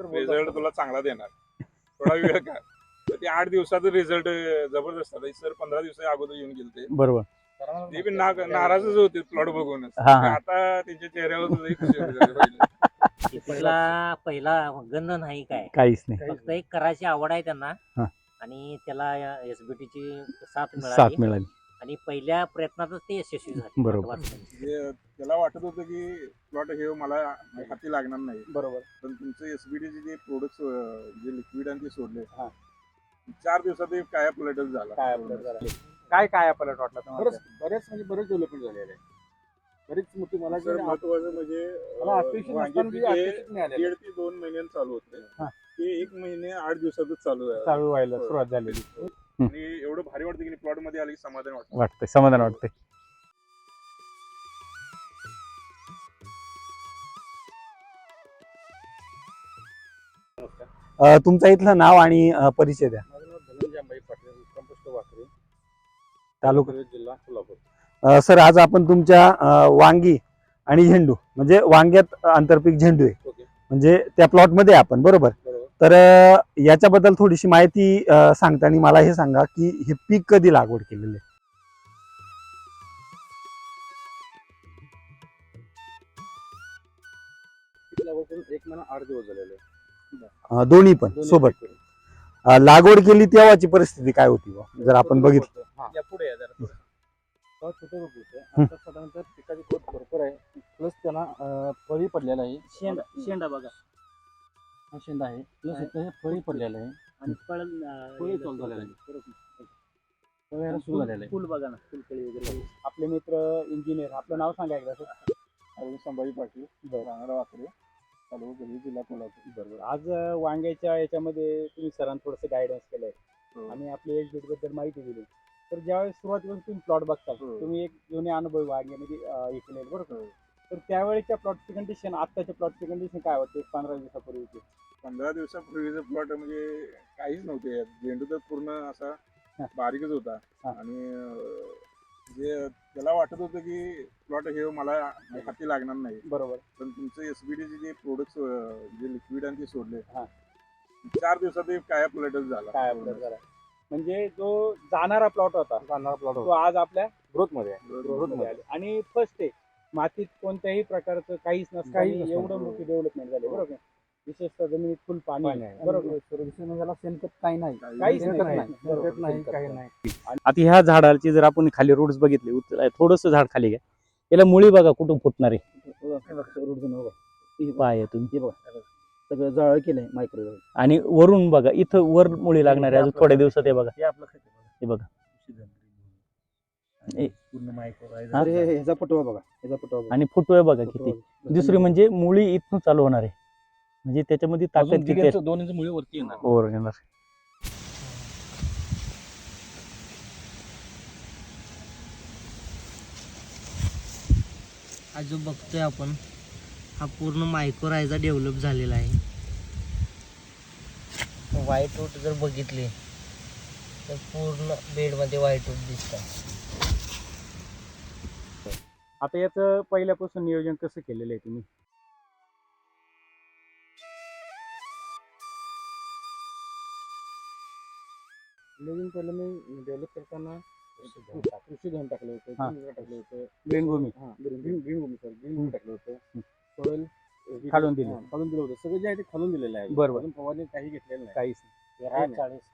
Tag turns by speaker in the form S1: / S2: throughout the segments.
S1: Result तुला चांगला देणार, थोडा वेळ का. तर ते 8 दिवसाचा रिझल्ट जबरदस्त आला. सर 15 दिवसा अगोदर येऊन गेलते.
S2: बरोबर.
S1: ते पण नाराजच होते प्लॉट बघूनच.
S2: हा, हा.
S1: आता त्यांच्या चेहऱ्यावर लई खुशी होती.
S3: तिला पहिला गंध नाही काय,
S2: काहीच नाही.
S3: फक्त एक करायची आवड आहे त्यांना.
S2: हा.
S3: आणि त्याला SBT ची साथ
S2: साथ मिळाली.
S3: आणि पहिल्या प्रयत्नातच ते यशस्वी झाले.
S2: बरोबर.
S1: म्हणजे त्याला वाटत होतं की प्लॉट हे मला हाती लागणार नाही.
S4: बरोबर.
S1: पण तुमचं SBT जे प्रोडक्ट जे लिक्विड आणि ते सोडले 4 दिवसात ते काया पलटच झाला.
S4: काय पलट वाटला तुम्हाला?
S5: बरेच डेव्हलपमेंट झालेलं आहे. बरीच मोठी मला
S1: सर महत्वाचं म्हणजे
S5: मला अपेक्षित नसताना जी अपेक्षित मिळालेलं आहे.
S1: 1.5 ते 2 महिन्यांनी चालू होते. ते 1 महिने 8 दिवसातच चालू आहे.
S4: चालू व्हायला सुरुवात झालेली.
S1: आणि एवढं भारी वाटतं की प्लॉट मध्ये आले की समाधान वाटतं.
S2: वाटतंय, समाधान वाटतंय. तुमचं इथलं नाव आणि परिचय द्या.
S5: माझं नाव धनंजय अंबाई पाटील, कंपोस्ट वाकरे,
S2: तालुका
S5: जिल्हा कोल्हापूर.
S2: सर आज आपण तुमच्या वांगी आणि झेंडू म्हणजे वांग्यात आंतरपीक झेंडू आहे,
S5: ओके.
S2: म्हणजे त्या प्लॉट मध्ये आपण बरोबर.
S5: बरोबर.
S2: तर याच्याबद्दल थोडीशी माहिती सांगताना मला हे सांगा की हे पीक कधी लागवड केलेलं आहे?
S5: पीक लागवड करून 1 महिना 8 दिवस झालेले आहे.
S2: दोन्ही पण सोबत.
S5: पीक करून.
S2: लागवड केली तेव्हाची परिस्थिती काय होती बा? जर आपण बघितलं
S5: हा. या पुढे या जरा पुढे. तेव्हा छोटे रोप होते. आता साधारणतः पिकाची ग्रोथ भरपूर आहे. प्लस त्यांना फळी पडलेला आहे.
S3: शेंडा बघा
S5: हा शेंडा आहे. प्लस इथं हे फळी पडलेलं आहे.
S3: आणि
S5: फळी चालू झालेलं आहे. फळ यायला सुरू झालेलं आहे.
S3: फुल बघा ना, फुलकळी वगैरे.
S4: आपले मित्र इंजिनियर, आपलं नाव सांगा एकदा सर.
S1: अरविंद संभाजी पाटील, राहणार वाकरे, तालुका गल्ली, जिल्हा कोल्हापूर.
S4: बरोबर. आज वांग्याच्या याच्यामध्ये तुम्ही सरांना थोडंसं गायडन्स केलंय
S1: हो.
S4: आणि आपल्या एक्झिट बद्दल माहिती दिली. तर ज्यावेळेस सुरुवातीपासून तुम्ही प्लॉट बघता, तुम्ही एक जुने अनुभव वांग्यामध्ये हे केले बरोबर. तर त्यावेळेच्या प्लॉटची कंडिशन आत्ताच्या प्लॉटची कंडिशन काय होते 15 दिवसापूर्वीची?
S1: 15 दिवसापूर्वीचा प्लॉट म्हणजे काहीच नव्हते. झेंडू तर पूर्ण असा बारीकच होता. आणि जे त्याला वाटत होतं की प्लॉट हे मला हाती लागणार नाही.
S4: बरोबर.
S1: पण तुमचं SBT जे प्रोडक्ट जे लिक्विड आणि ते सोडले 4 दिवसात ते काया पलटच झाला.
S4: काय अपडेट झाला म्हणजे जो जाणारा प्लॉट होता तो आज आपल्या
S5: ग्रोथ मध्ये आहे.
S4: ग्रोथ मध्ये आले. आणि फर्स्ट आहे मातीत कोणत्याही प्रकारचं काहीच नसतं, एवढं मोठी डेव्हलपमेंट झाली बरोबर. विशेषतः जमिनीत फुल पाणी आहे बरोबर.
S5: शेणखत काही नाही,
S4: काहीच
S5: शेणखत
S4: नाही.
S5: शेणखत नाही, काही नाही.
S2: आता ह्या झाडाची जर आपण खाली रूट्स बघितले, थोडस झाड खाली घ्या, याला मुळी बघा कुठून फुटणार आहे. पाय तुम्ही
S5: सगळं जाळ केलंय मायक्रोवेव्ह.
S2: आणि वरून बघा, इथं वर मुळी लागणार आहे अजून थोड्या दिवसात. हे बघा, हे बघा,
S5: ह्याचा फुटवा बघा, ह्याचा फुटवा बघा.
S2: आणि फुटवे बघा किती. दुसरी म्हणजे मुळी इथून चालू होणार आहे, म्हणजे त्याच्यामध्ये ताकद किती आहे.
S5: 2 इंच मुळी वरती येणार.
S2: वर येणार.
S3: हा जो बघतोय आपण हा पूर्ण मायक्रोरायझा डेव्हलप झालेला आहे. व्हाईट रूट जर बघितले तर पूर्ण बेडमध्ये व्हाईट रूट दिसतात.
S4: आता याचं पहिल्यापासून नियोजन कसं केलेलं आहे तुम्ही?
S5: नवीन पहिलं मी डेव्हलप करताना कृषी धन टाकलं होतं, टाकलं होतं,
S4: ग्रीन भूमी
S5: ग्रीन भूमी टाकलं होतं, सॉइल
S4: खालून दिलं.
S5: खालून दिलं होतं. सगळं जे आहे ते खालून दिलेलं आहे.
S4: बरोबर.
S5: अजून फवारणी काही घेतलेलं नाही.
S4: काहीच
S5: NPK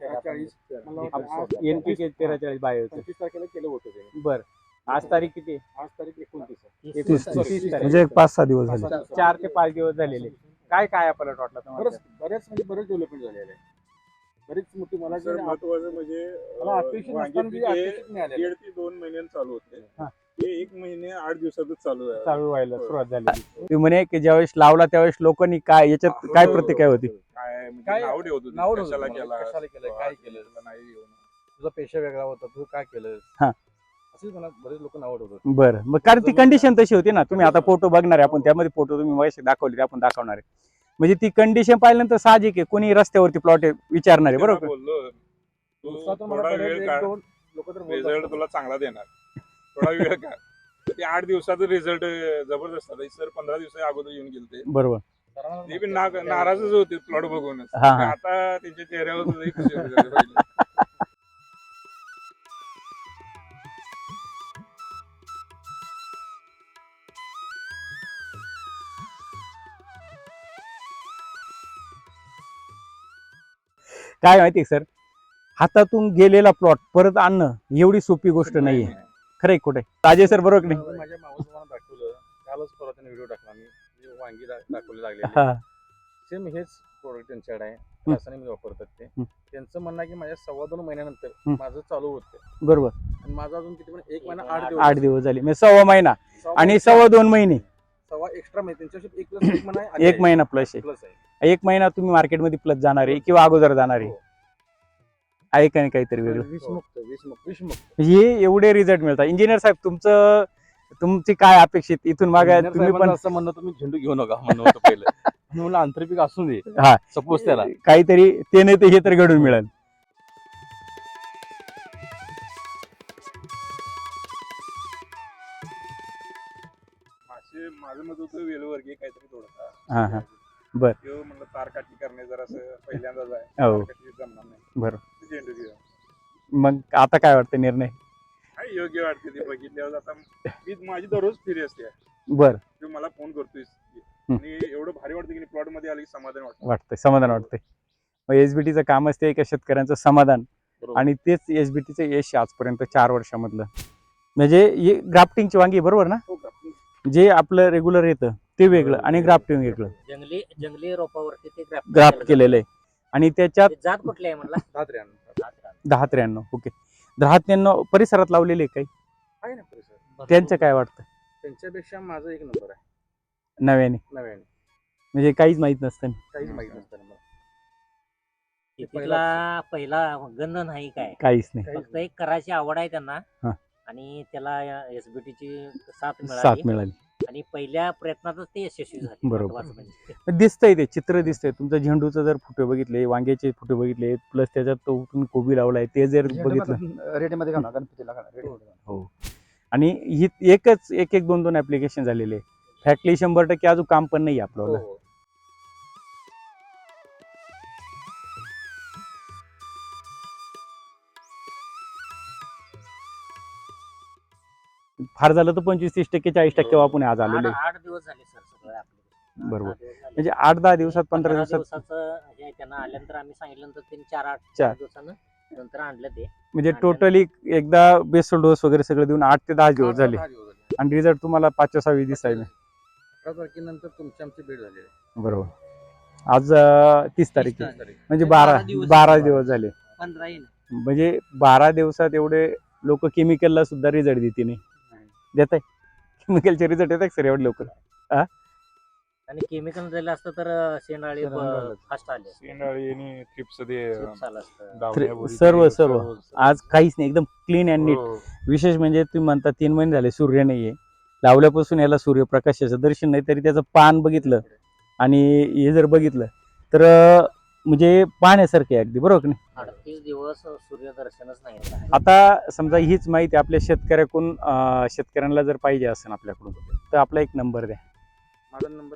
S4: 43 बायो
S5: 25 तारखेला केलं होतं ते.
S4: बरं. आज तारीख किती?
S5: आज तारीख 29 आहे.
S2: 30
S4: 30 तारीख.
S2: म्हणजे 5-6 दिवस झाले.
S4: 4 ते 5 दिवस झालेले. काय पलट वाटला तुम्हाला?
S5: बरेच डेव्हलपमेंट झालेलं आहे. बरीच मोठी मला
S1: सर महत्वाचं म्हणजे
S5: मला अपेक्षित नसताना जी अपेक्षित मिळालेलं आहे.
S1: 1.5 ते 2 महिन्यांनी चालू होते. ते 1 महिने 8 दिवसातच चालू आहे.
S4: चालू व्हायला सुरुवात झाली.
S2: तुम्ही म्हणे की ज्यावेळेस लावला त्यावेळेस लोकांनी काय याच्यात काय प्रतिक्रिया होती?
S1: काय म्हणजे
S5: काय
S1: नाव ठेवत होते.
S5: नाव ठेवत
S1: कशाला
S5: होते.
S1: केला,
S5: कशाला केलं, काय केलं,
S1: नाही येऊन.
S5: तुझा पेशा वेगळा होता, तू काय केलं,
S2: हा.
S5: असेच मला बरेच लोक नाव ठेवतात.
S2: बरं, मग कारण ती कंडिशन तशी होती ना. तुम्ही आता फोटो बघणार आहे आपण, त्यामध्ये फोटो तुम्ही वयसे दाखवले ते आपण दाखवणार आहे. म्हणजे ती कंडिशन पाहिल्यानंतर साहजिक आहे कोणी रस्त्यावरती प्लॉट विचारणार आहे बरोबर.
S1: बोललो
S5: दिवसात
S1: तू
S5: मला
S1: थोडा
S5: बरेच
S1: वेळ काढ,
S5: 1-2 लोक तर
S1: रिझल्ट
S5: बोलतात.
S1: तुला चांगला देणार, थोडा वेळ का. ते 8 दिवसाचा रिझल्ट जबरदस्त आला. सर 15 दिवसा अगोदर येऊन गेलते.
S2: बरोबर.
S1: ते बी नाराजच होते प्लॉट बघूनच.
S2: हा, हा.
S1: आता त्यांच्या चेहऱ्यावर सुद्धा एक खुशी होती पहिले.
S2: काय माहिती सर, हातातून गेलेला प्लॉट परत आणणं एवढी सोपी गोष्ट नाहीये. खरंय कुठे राजे सर बरोबर की नाही?
S5: माझ्या मावस भावानं दाखवलं, कालच परवा त्याने व्हिडिओ टाकला मी, जे वांगी दाखवले लागले
S2: हा.
S5: सेम हेच प्रोडक्ट त्यांच्याकडे आहे, रासायनिक वापरतात ते. त्यांचं म्हणणं आहे की माझ्या 2.25 महिन्यानंतर माझं चालू होतं
S2: बरोबर.
S5: आणि माझा अजून किती पण 1 महिना
S2: 8 दिवस झाले म्हणजे 1.25 महिना आणि 2.25 महिने
S5: सव्वा एक्स्ट्रा महिने त्यांच्याशी 1 प्लस 1 महिना आहे.
S2: 1 महिना प्लस आहे.
S5: प्लस आहे.
S2: 1 महिना तुम्ही मार्केटमध्ये प्लस जाणार आहे किंवा अगोदर जाणार आहे. आहे का नाही काहीतरी वेगळं?
S5: विषमुक्त
S2: हे एवढे रिझल्ट मिळतात. इंजिनियर साहेब तुमची काय अपेक्षित इथून मागे तुम्ही पण
S5: असं म्हणणं, तुम्ही झेंडू घेऊ नका म्हणणं होतं पहिलं. मी म्हणलं आंतरपीक असू दे,
S2: हा
S5: सपोज त्याला
S2: काहीतरी ते नाही ते हे तर घडून मिळेल.
S1: माझं मत होतं वेलवर्गीय काहीतरी थोडंसं.
S2: हा, हा. बर.
S1: किंवा म्हणलं तारकाठी करणे जरासं पहिल्यांदाच आहे.
S2: हो.
S1: तारकाठी जमणार नाही.
S2: बरं.
S1: झेंडू घेऊया.
S2: मग आता काय वाटतं निर्णय?
S1: काय योग्य वाटते ते बघितल्यावर. आता माझी दररोज फिरी असते.
S2: बर.
S1: तू मला फोन करतोय आणि एवढं भारी वाटतं की प्लॉट मध्ये आली की समाधान
S2: वाटतंय समाधान वाटतंय. मग एसबीटीचं कामच ते एका शेतकऱ्यांचं समाधान
S5: बरोबर.
S2: आणि तेच एसबीटीचं यश आजपर्यंत 4 वर्षामधलं. म्हणजे हे ग्राफ्टिंगची वांगी बरोबर ना? जे आपलं रेग्युलर येतं ते वेगळं आणि ग्राफ्टिंग वेगळं.
S3: जंगली रोपावरती ते
S2: ग्राफ्ट केलेलं आहे आणि त्याच्यात
S3: जात कुठली आहे म्हणला?
S2: 10-93. ओके. 10-93 परिसरात लावलेले काही
S5: आहे ना परिसर.
S2: त्यांचं काय वाटतं
S5: त्यांच्यापेक्षा माझा 1 नंबर आहे
S2: नव्याने?
S5: नव्याने.
S2: म्हणजे काहीच माहित नसतं.
S5: काहीच माहित नसतं मला.
S3: शेतीतला पहिला गंध नाही काय,
S2: काहीच नाही.
S3: फक्त एक करायची आवड आहे त्यांना
S2: हा.
S3: आणि त्याला एसबीटीची साथ
S2: साथ
S3: मिळाली
S2: मिळाली.
S3: आणि पहिल्या प्रयत्नातच ते यशस्वी झाले.
S2: बरोबर.
S3: महत्त्वाचं म्हणजे.
S2: दिसतंय ते चित्र दिसतंय. तुमचं झेंडूचं जर फोटो बघितले, वांग्याचे फोटो बघितले, प्लस त्याच्यात तो तुम्ही कोबी लावलाय ते जर बघितलं
S5: रेटमध्ये घाला गणपतीला
S2: हो. आणि ही एकच एक 2 ऍप्लिकेशन झालेले. फॅक्टली 100% अजून काम पण नाही आपल्याला. फार झालं तर 25-30%, 40% आपण आज आलेले.
S3: 8 दिवस झाले सर सगळं आपलं.
S2: बरोबर.
S3: 8 दिवस झाले.
S2: म्हणजे 8-10 दिवसात 15
S3: 15
S2: दिवसात
S3: दिवसाचं हे त्यांना आल्यानंतर आम्ही सांगितल्यानंतर त्यांनी 4
S2: चार.
S3: दिवसानं नंतर आणलं ते.
S2: म्हणजे टोटली एकदा बेसल डोस वगैरे सगळं देऊन 8 ते 10 दिवस झाले आणि रिझल्ट तुम्हाला 5-6 दिवस आहे.
S5: 18 तारखेनंतर तुमची आमची भेट झाली आहे.
S2: बरोबर. आज 30 तारीख
S3: 30
S2: आहे.
S3: तारीख.
S2: म्हणजे
S3: 12
S2: 12 दिवस झाले.
S3: 15 येईल.
S2: म्हणजे 12 दिवसात एवढे लोक केमिकलला सुद्धा रिझल्ट देते नाही. देत आहे केमिकलचे रिझल्ट येत आहे सर एवढे लवकर?
S3: आणि केमिकल दिलं असतं तर शेंडाळी फास्ट आले.
S1: शेंडाळी आणि थ्रिप्स ते
S3: चिप्स आलं असतं.
S1: दावण्याबोरी
S2: सर्व
S1: ते
S2: सर्व आज काहीच नाही, एकदम क्लीन अँड नीट.
S1: हो.
S2: विशेष म्हणजे तुम्ही म्हणता 3 महिने झाले सूर्य नाहीये, लावल्यापासून याला सूर्यप्रकाशाचं दर्शन नाही, तरी त्याचं पान बघितलं आणि हे जर बघितलं तर म्हणजे पाहण्यासारखे अगदी बरोबर की नाही?
S3: 38 दिवस सूर्यदर्शनच नाही झालं.
S2: आता समजा हीच माहिती आपल्या शेतकऱ्याकडून शेतकऱ्यांना जर पाहिजे असेल आपल्याकडून तर आपला एक नंबर द्या.
S5: माझा नंबर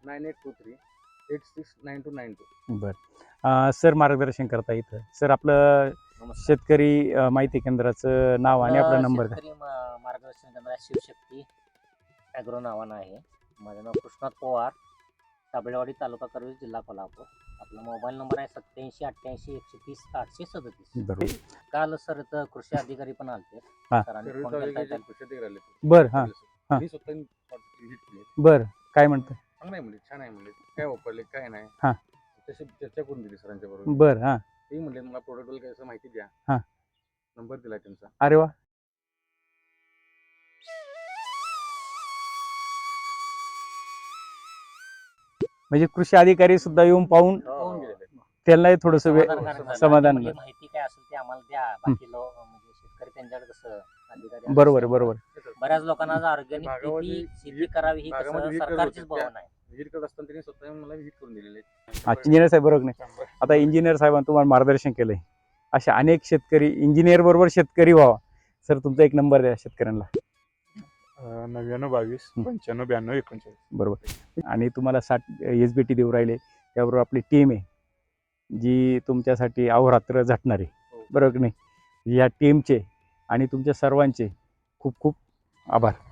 S5: 9823869292.
S2: बरं. सर मार्गदर्शन करता इथं. सर आपलं
S3: नमस्कार.
S2: शेतकरी माहिती केंद्राचं नाव आणि आपला नंबर द्या.
S3: शेतकरी मार्गदर्शन करणारा शिवशक्ती ॲग्रो नावानं आहे. माझं नाव कृष्णात पवार, साबळेवाडी, तालुका करवीर, जिल्हा कोल्हापूर. आपला मोबाईल नंबर आहे 8788130837.
S2: बरोबर.
S3: काल सर इथं कृषी अधिकारी पण आलते.
S2: हा.
S3: सरांनी फोन केलता त्याला.
S2: बर. हा.
S5: मी स्वतः visit केली.
S2: बर. काय म्हणतं?
S5: चांगलं आहे म्हणले, छान आहे म्हणले, काय वापरले काय नाही.
S2: हा.
S5: तशी चर्चा करून दिली सरांच्या बरोबर.
S2: बर. हा.
S5: ते म्हणले मला प्रोडक्ट बद्दल कसं माहिती द्या.
S2: हा.
S5: नंबर दिला त्यांचा.
S2: अरे वा. म्हणजे कृषी अधिकारी सुद्धा येऊन पाहून
S5: पाहून गेलेले.
S2: त्यांनाही थोडस समाधान
S3: म्हणजे माहिती काय असेल ते आम्हाला द्या. बाकी लोक म्हणजे शेतकरी त्यांच्याकडे कसं अधिकारी
S2: बरोबर आहे, बरोबर.
S3: बऱ्याच लोकांना आज ऑर्गॅनिक
S5: भागामध्ये
S3: शेती करावी ही
S5: भागामध्ये
S3: कसं
S5: विहीर करत
S3: सरकारचीच
S5: होते.
S3: भावना आहे.
S5: विजिट करत असताना त्यांनी स्वतः येऊन मला विजिट करून दिलेले.
S2: इंजिनियर साहेब बरोबर नाही? आता इंजिनियर साहेबांनी तुम्हाला मार्गदर्शन केलंय. अशा अनेक शेतकरी इंजिनियर बरोबर शेतकरी व्हावा. सर तुमचा एक नंबर द्या शेतकऱ्यांना.
S1: 99 22 95 92 39.
S2: बरोबर. आणि तुम्हाला 60 SBT देऊ राहिले, त्याबरोबर आपली टीम आहे जी तुमच्यासाठी अहोरात्र झटणार आहे, बरोबर की नाही. या टीमचे आणि तुमच्या सर्वांचे खूप खूप आभार.